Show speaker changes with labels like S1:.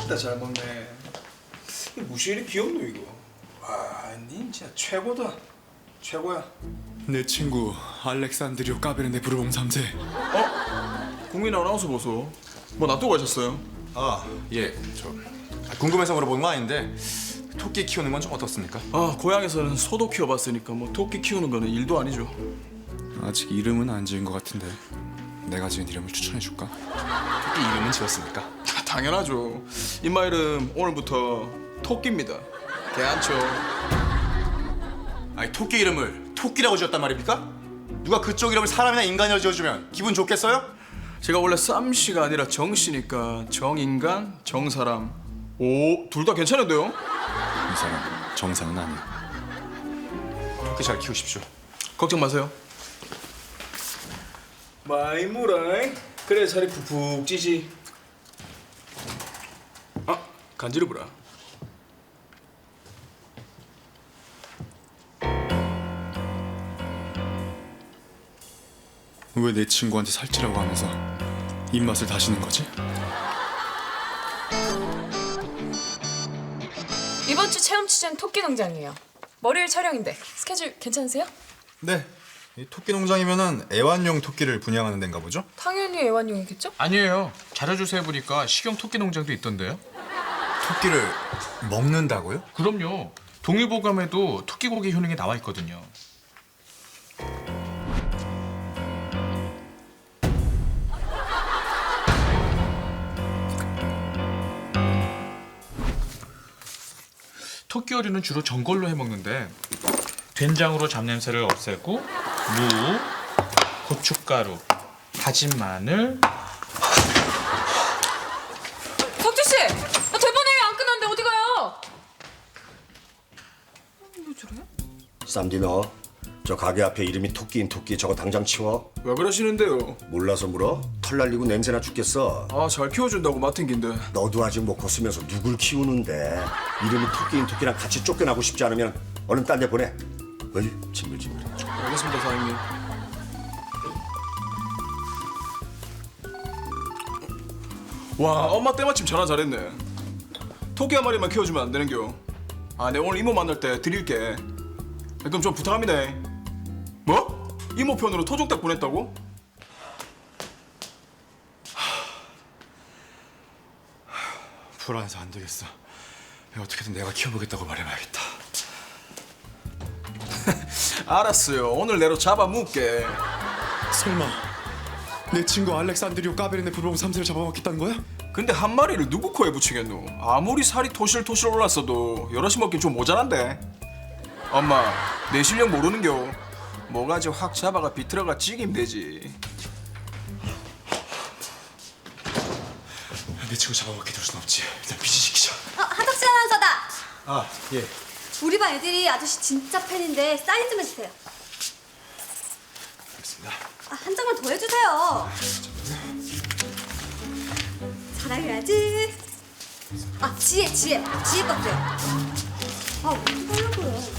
S1: 맛있다 잘 먹네. 이게 무시 이리 귀엽노 이거. 와, 닌 진짜 최고다. 최고야.
S2: 내 친구 알렉산드리오 까베르네 부르봉 3세.
S1: 국민 아나운서 보소. 뭐 놔두고 가셨어요?
S2: 아, 예. 저 궁금해서 물어보는 건 아닌데 토끼 키우는 건 좀 어떻습니까?
S1: 고향에서는 소도 키워봤으니까 뭐 토끼 키우는 거는 일도 아니죠.
S2: 아직 이름은 안 지은 것 같은데 내가 지은 이름을 추천해 줄까? 토끼 이름은 지었습니까?
S1: 당연하죠. 임마 이름 오늘부터 토끼입니다. 개안쳐.
S2: 아니 토끼 이름을 토끼라고 지었단 말입니까? 누가 그쪽 이름을 사람이나 인간이라고 지어주면 기분 좋겠어요?
S1: 제가 원래 쌈씨가 아니라 정씨니까 정인간, 정사람. 오, 둘 다 괜찮은데요?
S2: 이 사람 정상은 아니야. 토끼 잘 키우십시오.
S1: 걱정 마세요. 많이 물어잉. 그래 살이 푹푹 찌지. 간지러워라.
S2: 왜 내 친구한테 살찌라고 하면서 입맛을 다시는 거지?
S3: 이번 주 체험 취재는 토끼 농장이에요. 월요일 촬영인데 스케줄 괜찮으세요?
S4: 네. 이 토끼 농장이면은 애완용 토끼를 분양하는 데인가 보죠?
S3: 당연히 애완용이겠죠?
S5: 아니에요. 자료조사해 보니까 식용 토끼 농장도 있던데요.
S4: 토끼를 먹는다고요?
S5: 그럼요. 동의보감에도 토끼 고기 효능이 나와 있거든요. 토끼 요리는 주로 전골로 해 먹는데 된장으로 잡냄새를 없애고 무, 고춧가루, 다진 마늘.
S3: 덕주 씨, 나 대본에 안 끝났는데 어디 가요? 왜 저래?
S6: 쌈디 너 저 가게 앞에 이름이 토끼인 토끼 저거 당장 치워.
S1: 왜 그러시는데요?
S6: 몰라서 물어? 털 날리고 냄새나 죽겠어.
S1: 잘 키워준다고 맡은 긴데.
S6: 너도 아직 못 컸으면서 누굴 키우는데 이름이 토끼인 토끼랑 같이 쫓겨나고 싶지 않으면 얼른 딴 데 보내. 어이 징글징글해.
S1: 알겠습니다 사장님. 와, 엄마 때마침 전화 잘했네. 토끼 한 마리만 키워주면 안 되는겨? 내 오늘 이모 만날 때 드릴게. 그럼 좀 부탁합니다. 뭐? 이모 편으로 토종닭 보냈다고?
S2: 불안해서 안 되겠어. 어떻게든 내가 키워보겠다고 말해봐야겠다.
S1: 알았어요. 오늘 내로 잡아먹게.
S2: 설마 내 친구 알렉산드리오 까베르네 부르봉 3세를 잡아먹겠다는 거야?
S1: 근데 한 마리를 누구 코에 붙이겠노? 아무리 살이 토실토실 올랐어도 여럿이 먹긴 좀 모자란데. 엄마, 내 실력 모르는겨. 뭐가지 확 잡아가 비틀어가 찌기면 되지.
S2: 내 친구 잡아먹게 둘 순 없지. 일단 비지시키자.
S7: 한덕수 아나운서다.
S4: 아, 예.
S7: 우리 반 애들이 아저씨 진짜 팬인데 사인 좀 해주세요.
S2: 알겠습니다.
S7: 한 장만 더 해주세요. 사랑해야지. 지혜 것도요. 어떻게 하려고요?